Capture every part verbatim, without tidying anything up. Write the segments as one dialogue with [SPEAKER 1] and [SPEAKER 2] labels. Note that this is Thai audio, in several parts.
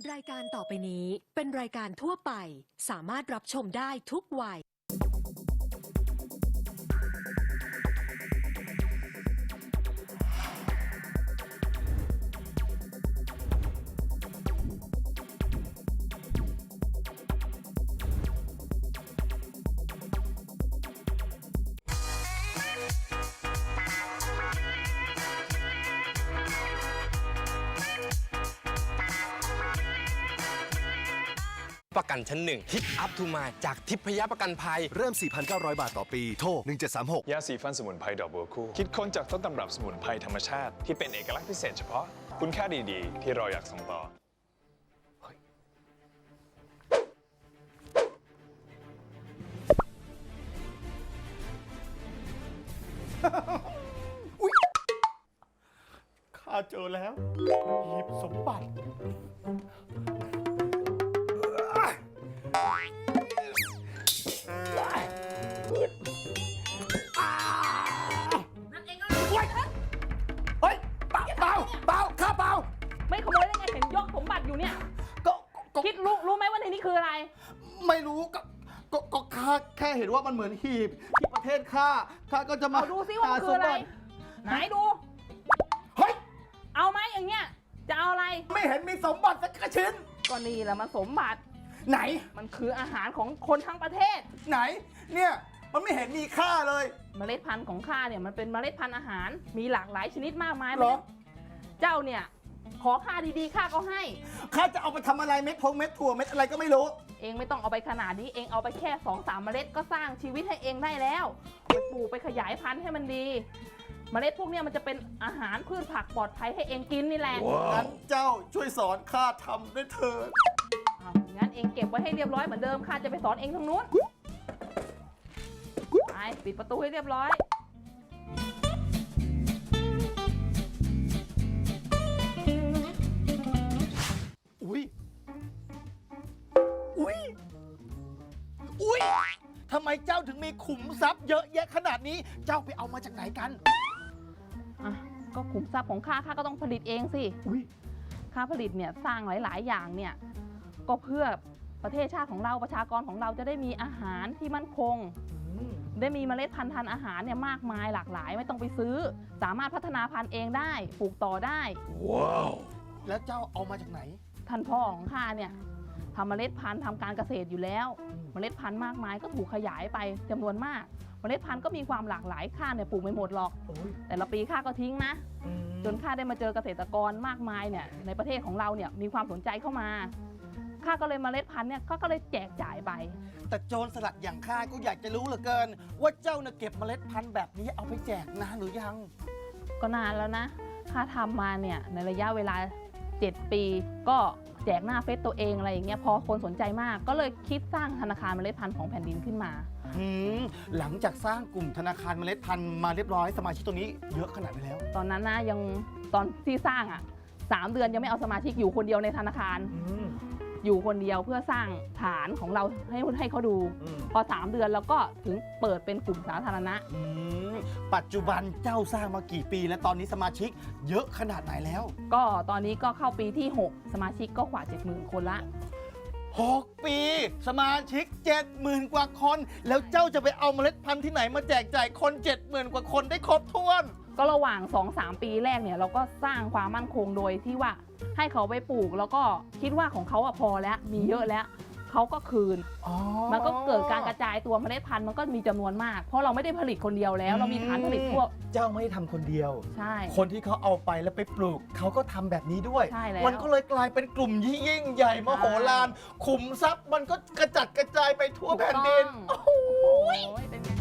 [SPEAKER 1] รายการต่อไปนี้เป็นรายการทั่วไปสามารถรับชมได้ทุกวัย
[SPEAKER 2] ประกันชั้นหนึ่งทิปอัพทูมาจากทิพยประกันภัย
[SPEAKER 3] เริ่ม สี่พันเก้าร้อย บาทต่อปี โทร หนึ่งเจ็ดสามหก
[SPEAKER 4] ยาสีฟันสมุนไพรดอกบัวคู่คิดค้นจากต้นตำรับสมุนไพรธรรมชาติที่เป็นเอกลักษณ์พิเศษเฉพาะคุณค่าดีๆ ที่เราอยากส่งต่อ
[SPEAKER 5] ข้าเจอแล้วหยิบสมบัติ
[SPEAKER 6] นั่นเองก็
[SPEAKER 5] เฮ้ยเปล่าเปล่าเปล่าข้าเปล่า
[SPEAKER 6] ไม่ขโมยได้ไงเห็นยกสมบัติอยู่เนี่ย
[SPEAKER 5] ก็ก็
[SPEAKER 6] คิดรู้รู้ไหมว่าในนี้คืออะไร
[SPEAKER 5] ไม่รู้ก็ก็ก็ข้าแค่เห็นว่ามันเหมือนหีบที่ประเทศข้าข้าก็จะมา
[SPEAKER 6] เอาดูซิว่ามันคืออะไร ไหนดู
[SPEAKER 5] เฮ้ย
[SPEAKER 6] เอาไหมอย่างเงี้ย จะเอาอะไร
[SPEAKER 5] ไม่เห็นมีสมบัติสักชิ้น
[SPEAKER 6] ก็นี่แหละมันสมบัติ
[SPEAKER 5] ไหน
[SPEAKER 6] มันคืออาหารของคนทั้งประเทศ
[SPEAKER 5] ไหน เนี่ยมันไม่เห็นมีค่าเลย
[SPEAKER 6] เมล็ดพันธุ์ของข้าเนี่ยมันเป็นเมล็ดพันธุ์อาหาร มีหลากหลายชนิดมากมาย
[SPEAKER 5] เหรอ
[SPEAKER 6] เจ้าเนี่ย ขอค่าดีๆข้าก็ให้
[SPEAKER 5] ข้าจะเอาไปทำอะไรเม็ดพงเม็ดถั่วเม็ดอะไรก็ไม่รู้
[SPEAKER 6] เองไม่ต้องเอาไปขนาดนี้ เองเอาไปแค่สองสามเมล็ดก็สร้างชีวิตให้เองได้แล้วไปปลูกไปขยายพันธุ์ให้มันดี เมล็ดพวกเนี้ยมันจะเป็นอาหารพืชผักปลอดภัยให้เองกินนี่แหละ
[SPEAKER 5] งั้นเจ้าช่วยสอนข้าทำด้วยเถิด
[SPEAKER 6] อ้าวงั้นเองเก็บไว้ให้เรียบร้อยเหมือนเดิมข้าจะไปสอนเองทางนู้นไปปิดประตูให้เรียบร้อย
[SPEAKER 5] อุ้ย อุ้ย อุ้ย ทำไมเจ้าถึงมีขุมทรัพย์เยอะแยะขนาดนี้ เจ้าไปเอามาจากไหนกัน
[SPEAKER 6] อ่ะก็ขุมทรัพย์ของข้าข้าก็ต้องผลิตเองสิ
[SPEAKER 5] อุ้ย
[SPEAKER 6] ข้าผลิตเนี่ยสร้างหลาย ๆ อย่างเนี่ยก็เพื่อประเทศชาติของเราประชากรของเราจะได้มีอาหารที่มั่นคง ได้มีเมล็ดพันธุ์ทานอาหารเนี่ยมากมายหลากหลายไม่ต้องไปซื้อ สามารถพัฒนาพันธุ์เองได้ปลูกต่อได้
[SPEAKER 5] แล้วเจ้าเอามาจากไหน
[SPEAKER 6] ท่านพ่อของข้าเนี่ยทำเมล็ดพันธุ์ทำการเกษตรอยู่แล้ว เมล็ดพันธุ์มากมายก็ถูกขยายไปจำนวนมาก เมล็ดพันธุ์ก็มีความหลากหลายข้าเนี่ยปลูกไม่หมดหรอก แต่ละปีข้าก็ทิ้งนะ จนข้าได้มาเจอเกษตรกรมากมายเนี่ยในประเทศของเราเนี่ยมีความสนใจเข้ามาข้าก็เลยเมล็ดพันธุ์เนี่ยก็เลยแจกจ่ายไป
[SPEAKER 5] แต่โจรสลัดอย่างข้าก็อยากจะรู้เหลือเกิน ว่าเจ้าเนี่ยเก็บเมล็ดพันธุ์แบบนี้เอาไปแจกนานหรือยัง
[SPEAKER 6] ก็นานแล้วนะข้าทำมาเนี่ยในระยะเวลาเจ็ดปี ก็แจกหน้าเฟซตัวเองอะไรอย่างเงี้ยพอคนสนใจมากก็เลยคิดสร้างธนาคารเมล็ดพันธุ์ของแผ่นดินขึ้นมา
[SPEAKER 5] หืมหลังจากสร้างกลุ่มธนาคารเมล็ดพันธุ์มาเรียบร้อยสมาชิกตัวนี้เยอะขนาดไหนแล้ว
[SPEAKER 6] ตอนนั้นนะยังตอนที่สร้างอ่ะสามเดือนยังไม่เอาสมาชิกอยู่คนเดียวในธนาคาร อยู่คนเดียวเพื่อสร้างฐานของเราให้ให้เขาดู พอสามเดือนแล้วก็ถึงเปิดเป็นกลุ่มสาธารณะ
[SPEAKER 5] ปัจจุบันเจ้าสร้างมากี่ปี และตอนนี้สมาชิกเยอะขนาดไหนแล้ว
[SPEAKER 6] ก็ตอนนี้ก็เข้าปีที่หกสมาชิกก็กว่า เจ็ดหมื่น คนละ
[SPEAKER 5] หก ปี สมาชิก เจ็ดหมื่น กว่าคน แล้วเจ้าจะไปเอาเมล็ดพันธุ์ที่ไหนมาแจกจ่ายคน เจ็ดหมื่น กว่าคนได้ครบถ้วน
[SPEAKER 6] ก็ระหว่าง สองสาม ปีแรกเนี่ยเราก็สร้างความมั่นคงโดยที่ว่าให้เขาไปปลูกแล้วก็คิดว่าของเขาอะพอแล้วมีเยอะแล้วเขาก็คืน มันก็เกิดการกระจายตัวเมล็ดพันธุ์มันก็มีจำนวนมาก เพราะเราไม่ได้ผลิตคนเดียวแล้ว เรามีฐานผลิตทั่ว
[SPEAKER 5] เจ้าไม่ได้ทำคนเดียว
[SPEAKER 6] ใช่
[SPEAKER 5] คนที่เขาเอาไปแล้วไปปลูกเขาก็ทำแบบนี้ด้วย
[SPEAKER 6] ใช่แล้ว
[SPEAKER 5] มันก็เลยกลายเป็นกลุ่มที่ยิ่งใหญ่มโหฬารขุมทรัพย์มันก็กระจัดกระจายไปทั่วแผ่นดิน
[SPEAKER 6] ถูกต้องโอ้โหเป็นไง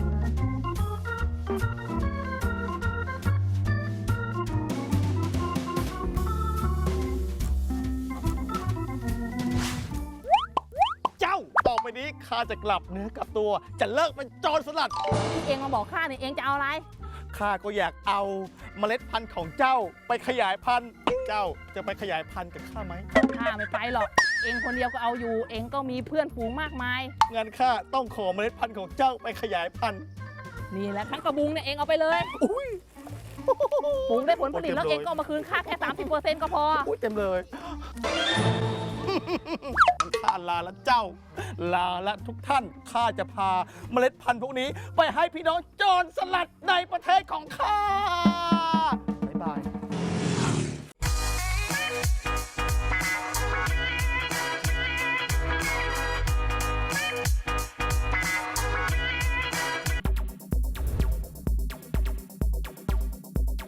[SPEAKER 5] เจ้าต่อไปนี้ข้าจะกลับเนื้อกลับตัว จะเลิกเป็นโจรสลัด
[SPEAKER 6] ที่เองมาบอกข้าเนี่ยเองจะเอาอะไร
[SPEAKER 5] ข้าก็อยากเอาเมล็ดพันธุ์ของเจ้าไปขยายพันธุ์ เจ้าจะไปขยายพันธุ์กับข้าไหม
[SPEAKER 6] ข้าไม่ไปหรอก เองคนเดียวก็เอาอยู่ เองก็มีเพื่อนฝูงมากมาย
[SPEAKER 5] งั้นข้าต้องขอเมล็ดพันธุ์ของเจ้าไปขยายพันธุ์
[SPEAKER 6] นี่แหละทั้งกระบุงเนี่ยเองเอาไปเลย
[SPEAKER 5] อุ้ย
[SPEAKER 6] ปลูกได้ผลผลิตแล้วเองก็เอามาคืนค่าแค่ สามสิบเปอร์เซ็นต์ ก็พอ
[SPEAKER 5] อุ้ยเต็มเลยข้าลาละเจ้า ลาละทุกท่าน ข้าจะพาเมล็ดพันธุ์พวกนี้ ไปให้พี่น้องโจรสลัดในประเทศของข้า บ๊ายบาย